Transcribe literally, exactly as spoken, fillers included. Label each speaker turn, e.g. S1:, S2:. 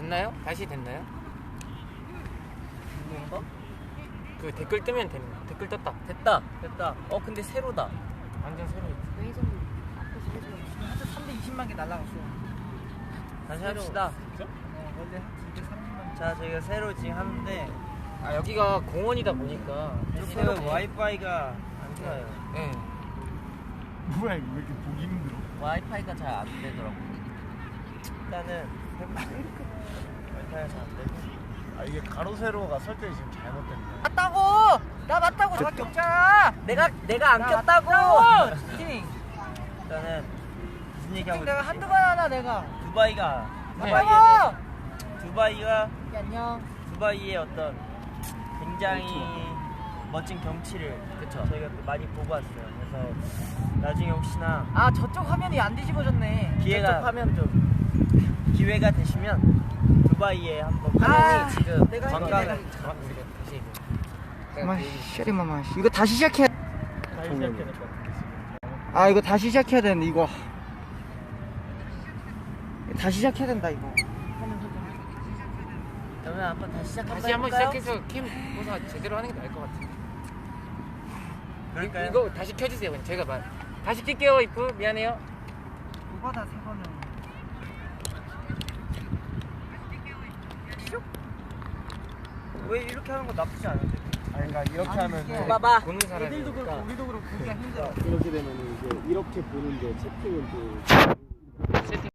S1: 됐나요? 다시 됐나요?
S2: 뭔가?
S1: 그 댓글 뜨면 되는 거. 댓글 떴다.
S2: 됐다 됐다. 어 근데 새로다.
S1: 완전 새로.
S3: 웨이존 앞에서 해줘요.
S4: 하트 삼백이십만 개 날라갔어.
S2: 다시
S4: 새로.
S2: 합시다.
S4: 진짜? 어 원래 하트 이백삼십만 개.
S2: 자 저희가 새로 지금 하는데
S1: 아 여기가 공원이다 보니까
S2: 지금 와이파이가 안 좋아요.
S1: 네.
S5: 뭐야 이거 왜 이렇게 보기 힘들어?
S2: 와이파이가 잘 안 되더라고. 일단은 와이파이가 잘 안 되고.
S5: 아 이게 가로 세로가 설정이 지금 잘못된 거야.
S4: 맞다고! 나 맞다고! 나밖에 없잖아!
S2: 내가 내가 안
S4: 나
S2: 꼈다고.
S4: 맞다고! 스팅!
S2: 일단은 무슨 얘기하고
S4: 스팅 내가
S2: 있지?
S4: 한두 번 하나 내가.
S2: 두바이가
S1: 네.
S2: 두바이에
S4: 맞다고!
S2: 대해서 두바이가
S4: 야, 안녕.
S2: 두바이의 어떤 굉장히 멋진 경치를
S1: 그쵸.
S2: 저희가 또 많이 보고 왔어요. 그래서 나중에 혹시나
S4: 아 저쪽 화면이 안 뒤집어졌네.
S2: 기회가
S1: 저쪽 화면 좀
S2: 기회가 되시면 두바이에 한번
S1: 화면이
S4: 아,
S1: 지금
S4: 내가 할게,
S1: 관광을
S4: 내가.
S1: 잠깐 우리가 다시 얘기해.
S4: 마쉐리마마 이거 다시 시작해.
S5: 다시 시작해야 될 것 같은데 지금.
S4: 아 이거 다시 시작해야 되는데 이거. 다시 시작해야 된다 이거.
S2: 그러면 한번 다시 시작 한번
S1: 다시 한번
S2: 해볼까요?
S1: 시작해서 캠 고사 제대로 하는 게 나을 것 같아.
S2: 그럴까요?
S1: 이거 다시 켜주세요. 그냥 제가 말 다시 킬게요. 이프 미안해요.
S4: 오바다 세 번은.
S2: 왜 이렇게 하는 거 나쁘지 않은데?
S5: 아 그러니까 이렇게
S4: 아니,
S5: 하면
S4: 이게-
S2: 봐봐.
S1: 보는 사람이
S4: 애들도 그렇고 우리도 그렇고 보기가 힘들어.
S5: 이렇게 되면 이제 이렇게 보는데 채팅은 또